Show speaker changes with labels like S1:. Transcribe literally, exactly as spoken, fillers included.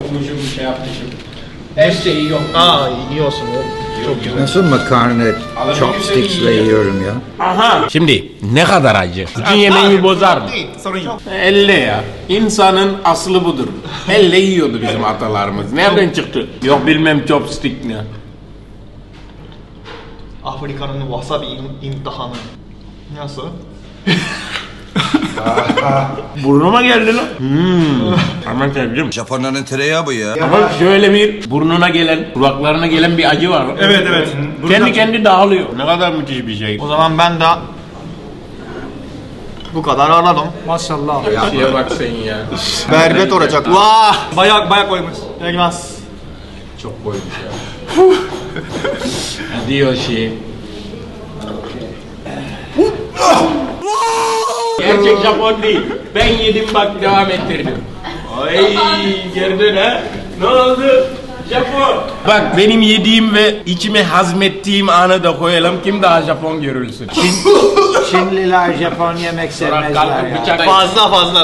S1: Okumuşum bir şey yapmışım. Her şeyi yok.
S2: Aa iyi olsun oğlum. Çok güzel.
S3: Nasıl makarna chopsticks'le yiyorum ya?
S1: Aha. Şimdi ne kadar acı. Bütün yemeği bozar mı?
S2: Değil, sorun yok.
S1: Elle ya. İnsanın aslı budur. Elle yiyordu bizim atalarımız. Nereden çıktı? Yok bilmem chopstick ne.
S2: Afrika'nın wasabi im- imtihanı. Nasıl?
S1: Burnuma geldi lan. Hmm. Hemen sevdim.
S4: Japonların tereyağı bu ya.
S1: Ama şöyle bir burnuna gelen, kulaklarına gelen bir acı var.
S2: Evet evet.
S1: Kendi kendi dağılıyor. Ne kadar müthiş bir şey.
S2: O zaman ben de bu kadar aradım.
S5: Maşallah.
S1: Şeye bak sen ya.
S2: Berbet olacak. Vah! Bayağı bayağı koymuş. Gelmez.
S1: Çok koymuş ya. Diyor şey. Gerçek Japon değil. Ben yedim bak devam ettirdim. Ay gördün ha? Ne oldu? Japon. Bak benim yediğim ve içime hazmettiğim anı da koyalım. Kim daha Japon görülsün?
S3: Çinliler Japon yemek
S1: Sonra
S3: sevmezler
S1: kalkıp
S3: ya.
S1: bıçak...
S2: Fazla fazla.